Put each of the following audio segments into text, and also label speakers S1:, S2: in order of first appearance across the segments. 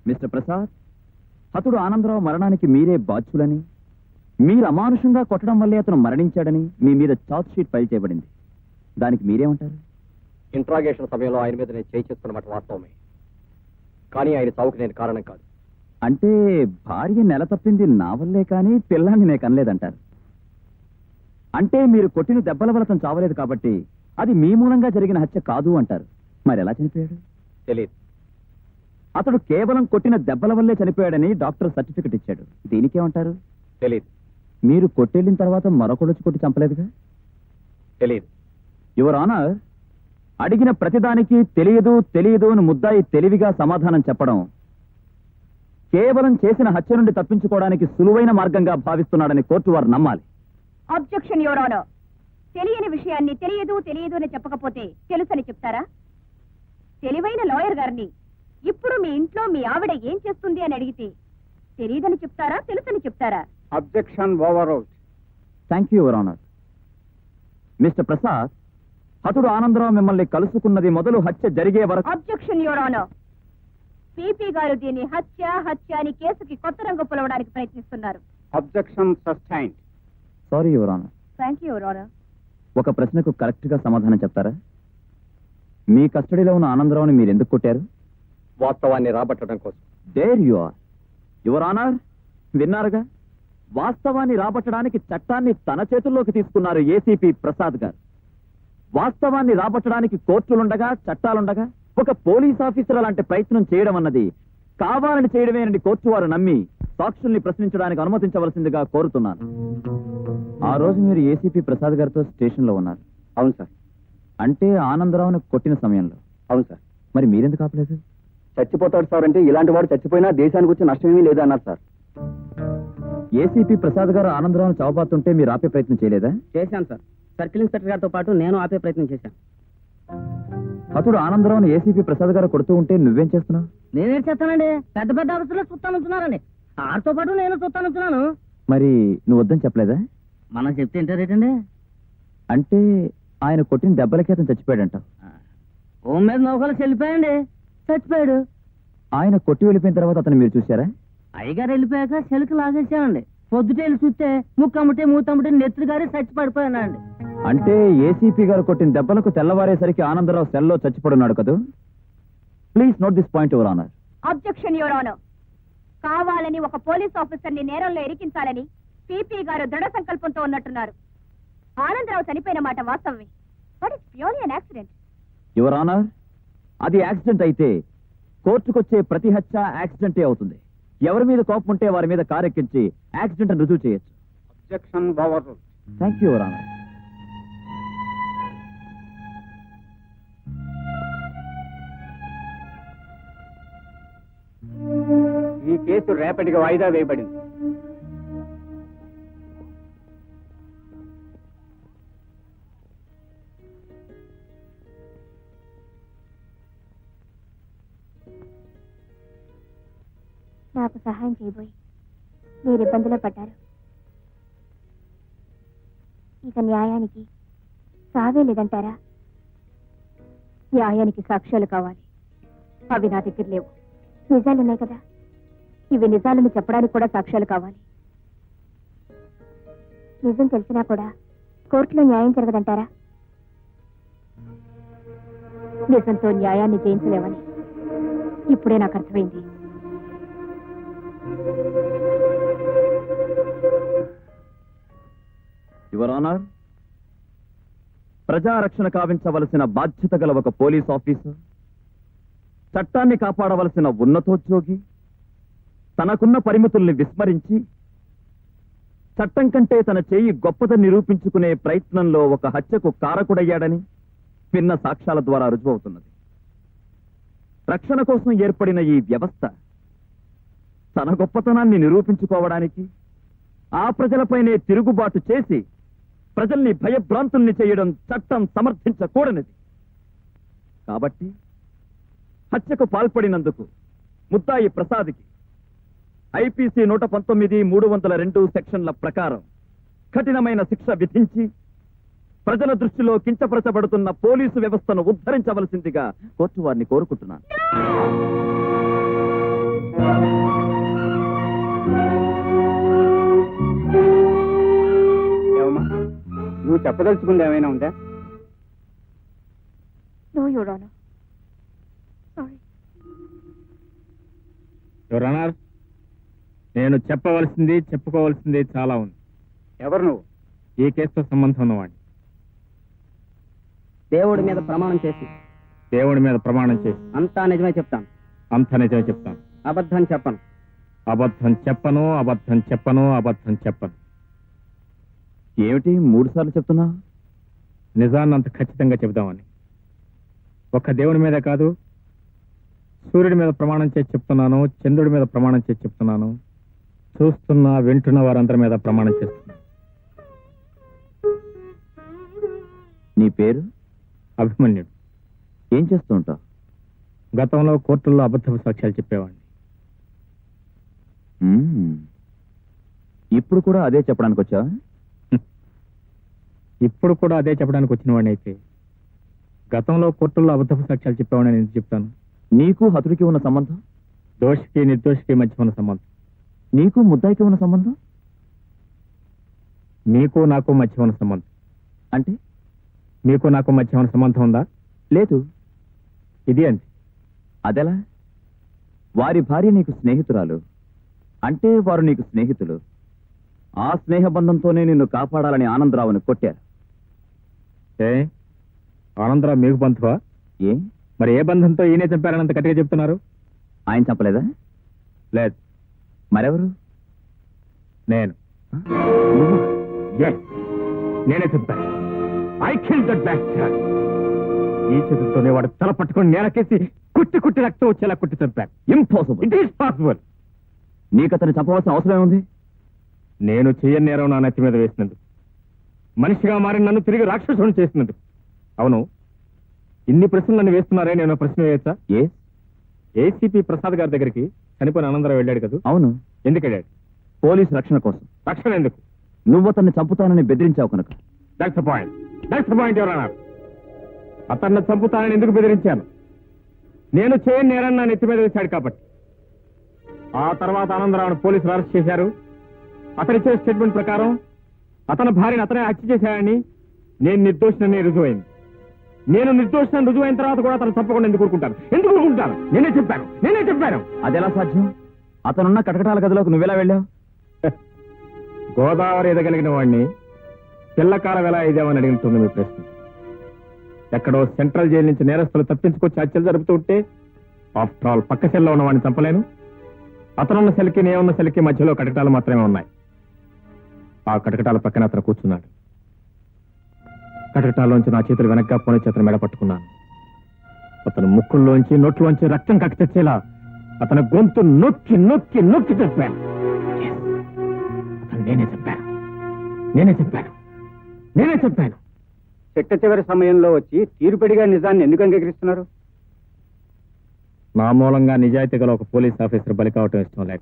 S1: Mister Prasad, అతడు ఆనందరావు మరణానికి మీరే బాధ్యులని, మీరు అమానుషంగా కొట్టడం వల్లే అతను మరణించాడని మీ మీద చార్జ్ షీట్ ఫైల్ చేయబడింది. దానికి మీరేమంటారు?
S2: ఇంట్రాగేషన్ సమయంలో ఆయన మీద నేను చేయిస్తున్నమాట వాస్తవమే, కానీ ఆయన చావుకు నేను కారణం కాదు.
S1: అంటే భార్య నెల తప్పింది నా వల్లే కానీ పిల్లాన్ని నేను కనలేదంటారు. అంటే మీరు కొట్టిన దెబ్బల వల్ల అతను చావలేదు కాబట్టి అది మీ మూలంగా జరిగిన హత్య కాదు అంటారు. మరి ఎలా చనిపోయాడు?
S2: తెలియదు.
S1: అతడు కేవలం కొట్టిన దెబ్బల వల్లే చనిపోయాడని డాక్టర్ సర్టిఫికెట్ ఇచ్చాడు. దీనికేమంటారు?
S2: తెలియదు.
S1: మీరు కొట్టెళ్ళిన తర్వాత మరొకడొచ్చి కొట్టి చంపలేదుగా?
S2: తెలియదు.
S1: యువర్ ఆనర్, అడిగిన ప్రతిదానికి తెలియదు తెలియదు అని ముద్దాయి తెలివిగా సమాధానం చెప్పడం కేవలం చేసిన హత్య నుండి తప్పించుకోవడానికి సులువైన మార్గంగా భావిస్తున్నాడని కోర్టు వారు నమ్మాలి.
S3: Objection your honour. తెలియని విషయాన్ని తెలియదు తెలియదు అని చెప్పకపోతే తెలుసని చెప్తారా? తెలివైన లాయర్ గారిని ఇప్పుడు మీ ఇంట్లో మీ ఆవిడ ఏం చేస్తుంది అని అడిగితే తెలియదని చెప్తారా, తెలుసని చెప్తారా?
S2: Objection over.
S1: Thank you your honour. Mister Prasad, అతడు ఆనందరావు మిమ్మల్ని కలుసుకున్నది మొదలు హత్య జరిగే వరకు.
S3: Objection your honour. పీపీ గారు దీన్ని హత్య అని కేసుకి కొత్త రంగు పొలవడానికి ప్రయత్నిస్తున్నారు.
S2: Objection sustained.
S1: Sorry your honour.
S3: Thank you your honour.
S1: ఒక ప్రశ్నకు కరెక్ట్ గా సమాధానం చెప్తారా? మీ కస్టడీలో ఉన్న ఆనందరావుని మీరు ఎందుకు కొట్టారు?
S2: వాస్తవాన్ని రాబట్టడం కోసం.
S1: There you are. Your honour, విన్నారుగా, వాస్తవాన్ని రాబట్టడానికి చట్టాన్ని తన చేతుల్లోకి తీసుకున్నారు ఏసీపీ ప్రసాద్ గారు. వాస్తవాన్ని రాబట్టడానికి కోర్టులుండగా చట్టాలుండగా ఒక పోలీస్ ఆఫీసర్ అలాంటి ప్రయత్నం చేయడం అన్నది కావాలని చేయడమేనని కోర్టు వారు నమ్మి సాక్షుల్ని ప్రశ్నించడానికి అనుమతించవలసిందిగా కోరుతున్నాను. ఆ రోజు మీరు ఏసీపీ ప్రసాద్ గారితో స్టేషన్ లో ఉన్నారు.
S2: అవును సార్.
S1: అంటే ఆనందరావును కొట్టిన సమయంలో.
S2: అవును సార్.
S1: మరి మీరెందుకు ఆపలేదు?
S2: చచ్చిపోతాడు సార్ అంటే ఇలాంటి వాడు చచ్చిపోయినా దేశానికి వచ్చి నష్టమేమీ లేదన్నారు సార్.
S1: ఏసీపీ ప్రసాద్ గారు ఆనందరావును చావబాతుంటే మీరు ఆపే ప్రయత్నం చేయలేదా?
S4: చేశాను సార్. సర్కిల్ ఇన్స్పెక్టర్ గారితో పాటు నేను ఆపే ప్రయత్నం చేశాను.
S1: అతడు ఆనందరావును ఏసీపీ ప్రసాద్ గారు కొడుతూ ఉంటే నువ్వేం చేస్తున్నావు?
S4: నేనేం చేస్తానండి, పెద్ద పెద్ద ఆఫీసులో చూస్తానున్నారండి, ఆడితో పాటు నేను చూస్తానున్నాను.
S1: మరి నువ్వు వద్దని చెప్పలేదా?
S4: మనం చెప్తే ఏంటండి?
S1: అంటే ఆయన కొట్టిన దెబ్బలకి అతను చచ్చిపోయాడంట.
S4: హోమ్ మీద నౌకలు చెల్లిపోయండి, చచ్చిపోయాడు.
S1: ఆయన కొట్టి వెళ్ళిపోయిన తర్వాత అతను మీరు చూశారా?
S4: అయ్యగారు వెళ్ళిపోయాక చెలికి లాగేసామండి. పొద్దుటేళ్ళు చూస్తే ముక్కమ్మటే మూతమ్మటే నెత్తురు గారి చచ్చి పడిపోయానండి.
S1: అంటే ఏసీపీ గారు కొట్టిన దెబ్బలకు తెల్లవారేసరికి ఆనందరావు సెల్లో చచ్చిపడున్నాడు కదా? Please note this point your honour.
S3: Objection your honour. కావాలని ఒక పోలీస్ ఆఫీసర్ ని నేరంలో ఇరికించాలని పీపీ గారు దృఢ సంకల్పంతో ఉన్నట్టున్నారు. ఆనందరావు చనిపోయిన మాట వాస్తవమే, but it's purely an accident.
S1: Your honour, అది యాక్సిడెంట్ అయితే కోర్టుకొచ్చే ప్రతి హత్య యాక్సిడెంటే అవుతుంది. ఎవరి మీద కోపం ఉంటే వారి మీద కారెక్కించి యాక్సిడెంట్ అని రుజువు చేయొచ్చు.
S2: Objection over.
S1: Thank you your honour.
S2: ఈ కేసు రేపటికి వాయిదా వేయబడింది.
S3: నాకు సహాయం చేయబోయి మీరు ఇబ్బందిలో పడ్డారు. ఇక న్యాయానికి సావే లేదంటారా? న్యాయానికి సాక్ష్యాలు కావాలి. అవి నా దగ్గర లేవు. నిజాలున్నాయి కదా, ఇవి నిజాలను చెప్పడానికి కూడా సాక్ష్యాలు కావాలి. నిజం తెలిసినా కూడా కోర్టులో న్యాయం జరగదంటారా? నిజంతో న్యాయాన్ని జయించలేవని ఇప్పుడే నాకు అర్థమైంది.
S1: యువర్ ఆనర్, ప్రజారక్షణ కావించవలసిన బాధ్యత గల ఒక పోలీస్ ఆఫీసర్, చట్టాన్ని కాపాడవలసిన ఉన్నతోద్యోగి తనకున్న పరిమితుల్ని విస్మరించి చట్టం కంటే తన చేయి గొప్పదని నిరూపించుకునే ప్రయత్నంలో ఒక హత్యకు కారకుడయ్యాడని విన్న సాక్ష్యాల ద్వారా రుజువవుతున్నది. రక్షణ కోసం ఏర్పడిన ఈ వ్యవస్థ తన గొప్పతనాన్ని నిరూపించుకోవడానికి ఆ ప్రజలపైనే తిరుగుబాటు చేసి ప్రజల్ని భయభ్రాంతుల్ని చేయడం చట్టం సమర్థించకూడనిది. కాబట్టి హత్యకు పాల్పడినందుకు ముద్దాయి ప్రసాద్కి ఐపీసీ 119(302) సెక్షన్ల ప్రకారం కఠినమైన శిక్ష విధించి ప్రజల దృష్టిలో కించపరచబడుతున్న పోలీసు వ్యవస్థను ఉద్ధరించవలసిందిగా కోర్టు వారిని కోరుకుంటున్నాను.
S5: ఏమమ్మా నువ్వు చెప్పదలుచుకుంది ఏమైనా ఉందా?
S3: No your honour. Sorry.
S6: Your honour, నేను చెప్పవలసింది చెప్పుకోవాల్సింది చాలా ఉంది.
S5: ఎవరు నువ్వు?
S6: ఈ కేసుతో సంబంధం ఉన్నవాడిని.
S4: దేవుడి మీద ప్రమాణం చేసి
S6: దేవుడి మీద ప్రమాణం చేసి
S4: అంతా నిజమే చెప్తాను,
S6: అంత నిజమే చెప్తాను.
S4: అబద్ధం చెప్పను.
S6: అబద్ధం చెప్పను, అబద్ధం చెప్పను, అబద్ధం చెప్పను.
S1: ఏమిటి 3 సార్లు చెప్తున్నా?
S6: నిజాన్ని అంత ఖచ్చితంగా చెబుదామని. ఒక్క దేవుడి మీద కాదు, సూర్యుడి మీద ప్రమాణం చేసి చెప్తున్నాను, చంద్రుడి మీద ప్రమాణం చేసి చెప్తున్నాను, చూస్తున్నా వింటున్న వారందరి మీద ప్రమాణం చేస్తున్నాను.
S1: నీ పేరు?
S6: అభిమన్యుడు.
S1: ఏం చేస్తూ ఉంటావు?
S6: గతంలో కోర్టుల్లో అబద్ధపు సాక్ష్యాలు చెప్పేవాడిని.
S1: ఇప్పుడు కూడా అదే చెప్పడానికి వచ్చా?
S6: ఇప్పుడు కూడా అదే చెప్పడానికి వచ్చిన వాడిని అయితే గతంలో కోర్టుల్లో అబద్ధపు సాక్ష్యాలు చెప్పేవాడిని నేను చెప్తాను.
S1: నీకు హతుడికి ఉన్న సంబంధం?
S6: దోషికి నిర్దోషికి మధ్య ఉన్న సంబంధం.
S1: నీకు ముద్దాయికి ఉన్న సంబంధం?
S6: మీకు నాకు మధ్య ఉన్న సంబంధం.
S1: అంటే
S6: మీకు నాకు మధ్య ఉన్న సంబంధం ఉందా?
S1: లేదు.
S6: ఇది అంతే.
S1: అదెలా? వారి భార్య నీకు స్నేహితురాలు అంటే వారు నీకు స్నేహితులు. ఆ స్నేహబంధంతోనే నిన్ను కాపాడాలని ఆనందరావుని కొట్టారు.
S6: ఏ ఆనందరావు మీకు బంధువా?
S1: ఏ
S6: మరి ఏ బంధంతో ఈయనే చంపారనంత గట్టిగా చెప్తున్నారు?
S1: ఆయన చంపలేదా?
S6: లేదు.
S1: మరెవరు?
S6: నేను. Yes, నేనే చంపాను. I killed that bastard. ఈ చేతులతోనే వాడు తల పట్టుకొని నేలకేసి కుట్టి కుట్టి రక్తం వచ్చేలా కుట్టి చంపాను.
S1: ఇంపాసిబుల్.
S6: It is possible.
S1: నీకు అతన్ని చంపవలసిన అవసరం ఏముంది?
S6: నేను చెయ్యని నేరం నా నెత్తి మీద వేసినందుకు, మనిషిగా మారి నన్ను తిరిగి రాక్షసుని చేసినందుకు. అవును, ఇన్ని ప్రశ్నలు నన్ను వేస్తున్నారే, నేను ప్రశ్న వేయచ్చా?
S1: ఏ
S6: ఏసీపీ ప్రసాద్ గారి దగ్గరికి చనిపోయిన ఆనందరావు వెళ్ళాడు కదా?
S1: అవును.
S6: ఎందుకు వెళ్ళాడు?
S1: పోలీసు రక్షణ కోసం.
S6: రక్షణ ఎందుకు?
S1: నువ్వు అతన్ని చంపుతానని బెదిరించావు కనుక.
S6: That's the point. That's the point ఎవరన్నా. అతన్ని చంపుతానని ఎందుకు బెదిరించాను? నేను చేయని నేరాన్ని నా నెత్తి మీద వేశాడు కాబట్టి. ఆ తర్వాత ఆనందరావును పోలీసులు అరెస్ట్ చేశారు. అతనిచ్చే స్టేట్మెంట్ ప్రకారం అతని భార్యను అతనే హత్య చేశాడని నేను నిర్దోషినని రుజువైంది. నేను నిర్దోషిని రుజువైన తర్వాత కూడా అతను తప్పకుండా ఎందుకు ఊరుకుంటాను? ఎందుకు ఊరుకుంటాను? నేనే చెప్పాను.
S1: అదెలా సాధ్యం? అతనున్న కటకటాల గదిలోకి నువ్వెలా వెళ్ళావు?
S6: గోదావరి ఎదగలిగిన వాడిని పిల్లకాలం ఎలా ఇదేమని అడిగినట్టుంది మీ ప్రశ్న. ఎక్కడో సెంట్రల్ జైలు నుంచి నేరస్తులు తప్పించుకొచ్చి హత్యలు జరుపుతూ ఉంటే ఆఫ్టర్ ఆల్ పక్క సెల్లో ఉన్న వాడిని చంపలేను. అతనున్న సెల్కి నేనున్న సెల్కి మధ్యలో కటకటాలు మాత్రమే ఉన్నాయి. ఆ కటకటాల పక్కన అతను కూర్చున్నాడు. కటకటాల్లోంచి నా చేతులు వెనక్గా పోనీ చేతులు మెడ పట్టుకున్నాను. అతను ముక్కుల్లోంచి నోట్లోంచి రక్తం కక్కి తెచ్చేలా అతని గొంతు నొక్కి నొక్కి నొక్కి చెప్పాను. అతను నేనే చెప్పాను.
S5: చిట్ట చివరి సమయంలో వచ్చి తీరుపడిగా నిజాన్ని ఎందుకు అంగీకరిస్తున్నారు?
S6: నా మూలంగా నిజాయితీ గల ఒక పోలీస్ ఆఫీసర్ బలి కావటం ఇష్టం లేక,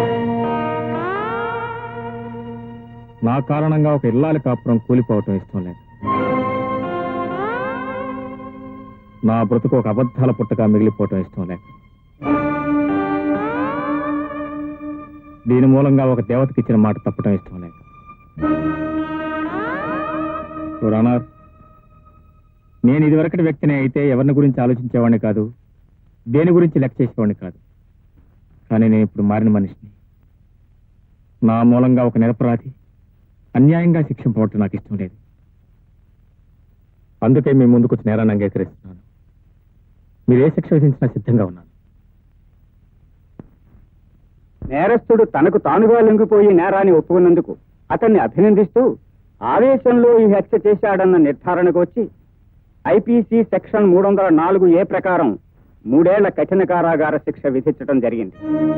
S6: నా కారణంగా ఒక ఇల్లాలి కాపురం కూలిపోవటం ఇష్టం లేక, నా బ్రతుకు ఒక అబద్ధాల పుట్టగా మిగిలిపోవటం ఇష్టం లేక, దీని మూలంగా ఒక దేవతకి ఇచ్చిన మాట తప్పటం ఇష్టం లేక. రానర్, నేను ఇదివరకటి వ్యక్తిని అయితే ఎవరిని గురించి ఆలోచించేవాడిని కాదు, దేని గురించి లెక్క చేసేవాడిని కాదు. కానీ నేను ఇప్పుడు మారిన మనిషిని. నా మూలంగా ఒక నిరపరాధి అన్యాయంగా శిక్షింపబట్టు నాకు ఇష్టం లేదు. అందుకే మీ ముందుకు వచ్చి నేరాన్ని అంగీకరిస్తున్నాను. మీరు ఏ శిక్ష విధించినా సిద్ధంగా ఉన్నాను.
S5: నేరస్తుడు తనకు తానుగా లొంగిపోయి నేరాన్ని ఒప్పుకున్నందుకు అతన్ని అభినందిస్తూ ఆవేశంలో ఈ హత్య చేశాడన్న నిర్ధారణకు వచ్చి ఐపీసీ సెక్షన్ 304A ప్రకారం 3 ఏళ్ల కఠిన కారాగార శిక్ష విధించడం జరిగింది.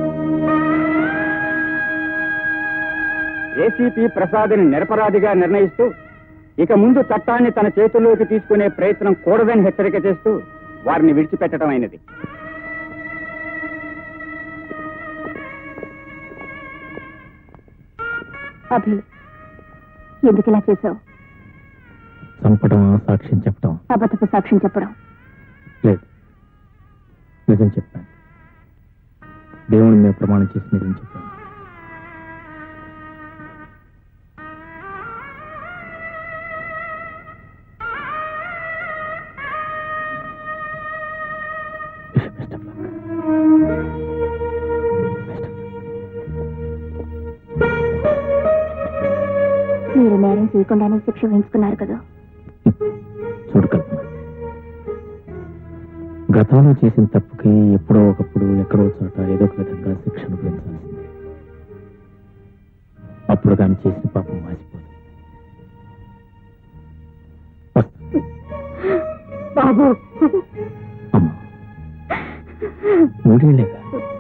S5: ఏసీపీ ప్రసాద్ని నిరపరాధిగా నిర్ణయిస్తూ ఇక ముందు చట్టాన్ని తన చేతుల్లోకి తీసుకునే ప్రయత్నం కూడదని హెచ్చరిక చేస్తూ వారిని విడిచిపెట్టడం అయినది.
S3: అభి, ఎందుకు ఇలా చేశావు?
S6: చంపడం, సాక్ష్యం చెప్పడం.
S3: అబద్ధపు సాక్ష్యం చెప్పడం.
S6: లేదు, నిజం చెప్పాను. దేవుని మీద ప్రమాణం చేసి నిజం చెప్పాను. Best of luck. Best of luck.
S3: మీరు నేరం చేయకుండానే శిక్ష వేయించుకున్నారు కదా.
S6: చూడు కల్పన, గతంలో చేసిన తప్పుకి ఎప్పుడో ఒకప్పుడు ఎక్కడో చోట ఏదో ఒక విధంగా శిక్ష అనుభవించాల్సిందే. అప్పుడు కానీ చేసిన పాపం మాసిపోదు.
S3: బాబు
S6: అమ్మా, 3 ఏళ్ళేగా.